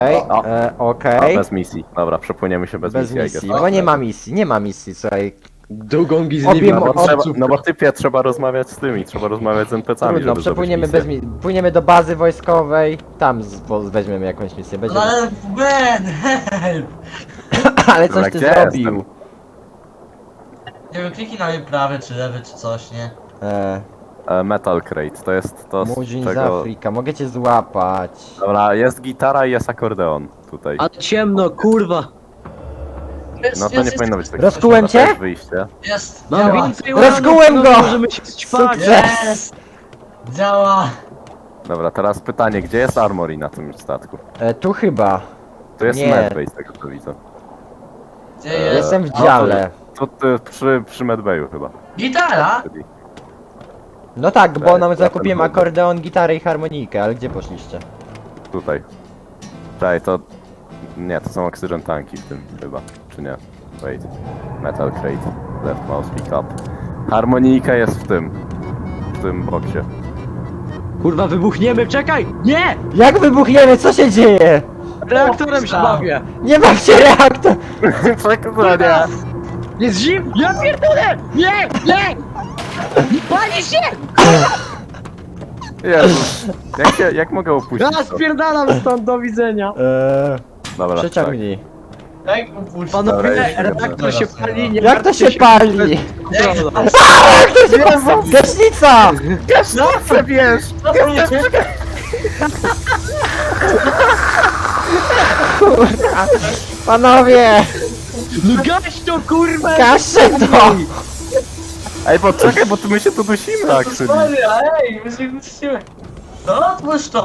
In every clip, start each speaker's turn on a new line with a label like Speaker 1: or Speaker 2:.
Speaker 1: Okej.
Speaker 2: Bez misji. Dobra, przepłyniemy się bez,
Speaker 1: Bez
Speaker 2: misji. I
Speaker 1: misji,
Speaker 2: guess.
Speaker 1: bo nie ma misji, słuchaj.
Speaker 3: Długą
Speaker 1: Obie
Speaker 3: gizliwą.
Speaker 1: mo-
Speaker 2: No bo typie trzeba rozmawiać z tymi, trzeba rozmawiać z NPC-ami,
Speaker 1: Trudno,
Speaker 2: żeby
Speaker 1: przepłyniemy
Speaker 2: zrobić
Speaker 1: bez misji. Płyniemy do bazy wojskowej, tam weźmiemy jakąś misję.
Speaker 4: No
Speaker 1: Będziemy...
Speaker 4: ale Ben, help!
Speaker 1: Ale coś
Speaker 2: Dobra,
Speaker 1: ty
Speaker 2: gdzie
Speaker 1: zrobił.
Speaker 2: jestem?
Speaker 4: Nie wiem, kliknij na mnie prawy czy lewy czy coś, nie?
Speaker 2: Metal Crate, to jest to z
Speaker 1: Murzyn z
Speaker 2: czego...
Speaker 1: Afryka, mogę cię złapać.
Speaker 2: Dobra, jest gitara i jest akordeon tutaj.
Speaker 3: Ale ciemno, kurwa.
Speaker 2: No to nie powinno być tak.
Speaker 1: Rozkułem cię?
Speaker 2: To jest wyjście.
Speaker 4: Jest!
Speaker 3: Mam
Speaker 4: Działa!
Speaker 3: więcej
Speaker 1: Rozkułem
Speaker 3: uranów,
Speaker 1: go!
Speaker 3: Możemy się ćpać.
Speaker 1: Sukces!
Speaker 4: Jest! Działa!
Speaker 2: Dobra, teraz pytanie, gdzie jest Armory na tym statku?
Speaker 1: Tu chyba.
Speaker 2: To jest
Speaker 1: Nie.
Speaker 2: medbay z tego co widzę.
Speaker 4: Gdzie jest?
Speaker 1: Jestem w dziale.
Speaker 2: To przy medbayu chyba.
Speaker 4: Gitara?
Speaker 2: Czyli-
Speaker 1: No tak, bo
Speaker 2: Tak,
Speaker 1: nam
Speaker 2: ja
Speaker 1: zakupiłem
Speaker 2: ten mogę.
Speaker 1: akordeon, gitarę i harmonikę, ale gdzie poszliście?
Speaker 2: Tutaj. Czekaj, to... Nie, to są oxygen tanki w tym chyba. Czy nie? Wait. Metal Crate. Left mouse pick up. Harmonika jest w tym boksie.
Speaker 3: Kurwa, wybuchniemy, czekaj! Nie!
Speaker 1: Jak wybuchniemy? Co się dzieje?
Speaker 3: Reaktorem się bawię!
Speaker 1: Nie mam się reaktor!
Speaker 2: Przekonania!
Speaker 3: Jest zim! Ja pierdolę! Nie! Nie! Pali się!
Speaker 2: Jezus. Jak mogę opuścić
Speaker 3: Ja
Speaker 2: to?
Speaker 3: spierdalam stąd, do widzenia!
Speaker 2: Dobra,
Speaker 1: Przeciągnij.
Speaker 4: Jak upuścić?
Speaker 3: Panowie,
Speaker 2: Dobra, jest
Speaker 3: reaktor się pali, nie
Speaker 1: Jak to
Speaker 3: martwcie
Speaker 1: się pali?
Speaker 3: Kontrola.
Speaker 1: Jak to się pali? Gaśnica!
Speaker 2: tak! Wiesz!
Speaker 4: Co to nie?
Speaker 1: Panowie!
Speaker 3: No gaś to, kurwa!
Speaker 1: Gaszę to!
Speaker 2: Ej, bo czekaj, bo my się tu dusimy,
Speaker 4: To
Speaker 2: actually.
Speaker 4: sorry, ej, my się guścimy. No otwórz to!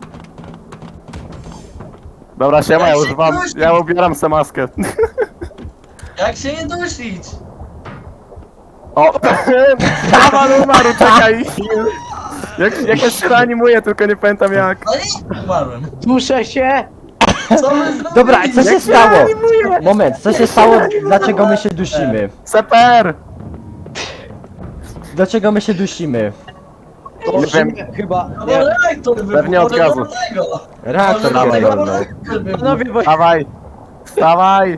Speaker 2: Dobra, siema,
Speaker 4: Jak
Speaker 2: ja
Speaker 4: się
Speaker 2: używam,
Speaker 4: dusi?
Speaker 2: ja ubieram se maskę.
Speaker 4: Jak się nie dusić?
Speaker 2: O! Kamal umarł, czekaj! Jak ja się reanimuję, tylko nie pamiętam jak.
Speaker 4: No nie, umarłem.
Speaker 3: Duszę się!
Speaker 4: Co my zrobili?
Speaker 1: Dobra, co się
Speaker 2: Jak
Speaker 1: stało?
Speaker 2: reanimuję?
Speaker 1: Moment, co się stało? Dlaczego my się dusimy?
Speaker 2: Seper!
Speaker 1: Dlaczego my się dusimy?
Speaker 2: Nie wiem,
Speaker 3: Chyba.
Speaker 4: No bo reaktor wybuchł,
Speaker 2: Pewnie od
Speaker 4: może
Speaker 2: gazu.
Speaker 4: dlatego.
Speaker 1: Reaktor
Speaker 4: Może dlatego
Speaker 1: pierdolnął.
Speaker 4: reaktor wybuchł.
Speaker 3: Panowie, bo...
Speaker 2: Wstawaj! Wstawaj!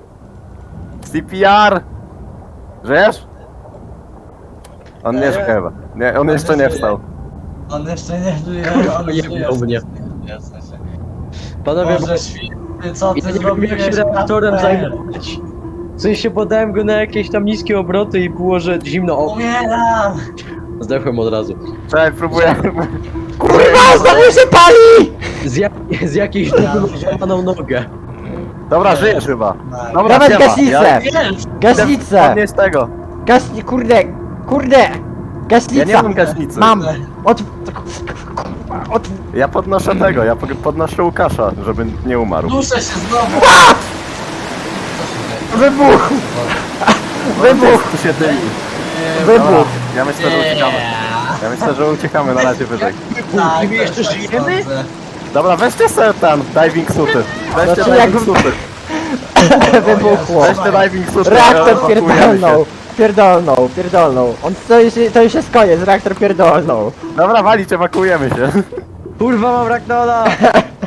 Speaker 2: CPR! Żyjesz? On nie żyje chyba. Nie, on jeszcze nie wstał.
Speaker 4: On jeszcze nie żyje, on
Speaker 3: Jebnął
Speaker 4: żyje.
Speaker 3: mnie.
Speaker 4: Jasne, że-
Speaker 3: Panowie,
Speaker 4: Boże święty, co
Speaker 3: ja
Speaker 4: ty
Speaker 3: nie wiem jak
Speaker 4: zrobiłeś?
Speaker 3: się reaktorem
Speaker 4: Ben?
Speaker 3: zajmować. W sensie podałem go na jakieś tam niskie obroty i było, że zimno. O,
Speaker 4: Umieram!
Speaker 3: zdechłem od razu.
Speaker 2: Czekaj, próbuję.
Speaker 1: Kurwa, znowu się pali!
Speaker 3: Z jakiejś dupy złamaną nogę.
Speaker 2: Dobra, żyjesz chyba. Dobra,
Speaker 1: Dawać
Speaker 2: siema.
Speaker 1: gaśnicę!
Speaker 4: Jest!
Speaker 1: Gaśnicę!
Speaker 2: Podnieś tego.
Speaker 1: Gaśni... Kurde! Kurde! Gaśnica!
Speaker 2: Ja nie mam gaśnicy.
Speaker 1: Mam!
Speaker 2: Ja podnoszę tego, ja podnoszę Łukasza, żeby nie umarł.
Speaker 4: Duszę się znowu!
Speaker 2: Wybuch! Wybuch! Tu się dymi. Dobra,
Speaker 1: Wybuch!
Speaker 2: ja myślę, że uciekamy. Ja myślę, że uciekamy na razie wyżej.
Speaker 4: Tak,
Speaker 3: my jeszcze
Speaker 4: też tak
Speaker 3: żyjemy?
Speaker 4: sądzę.
Speaker 2: Dobra, weźcie sobie ten diving suty. Weźcie
Speaker 1: Znaczy,
Speaker 2: diving
Speaker 1: jak-
Speaker 2: suty.
Speaker 1: Wybuchło!
Speaker 2: Weźcie diving suty.
Speaker 1: Reaktor
Speaker 2: ewakuujemy
Speaker 1: pierdolnął!
Speaker 2: się.
Speaker 1: Pierdolnął! On, to już jest koniec, reaktor pierdolnął!
Speaker 2: Dobra, walić, ewakuujemy się.
Speaker 3: Kurwa, mam Ragnona!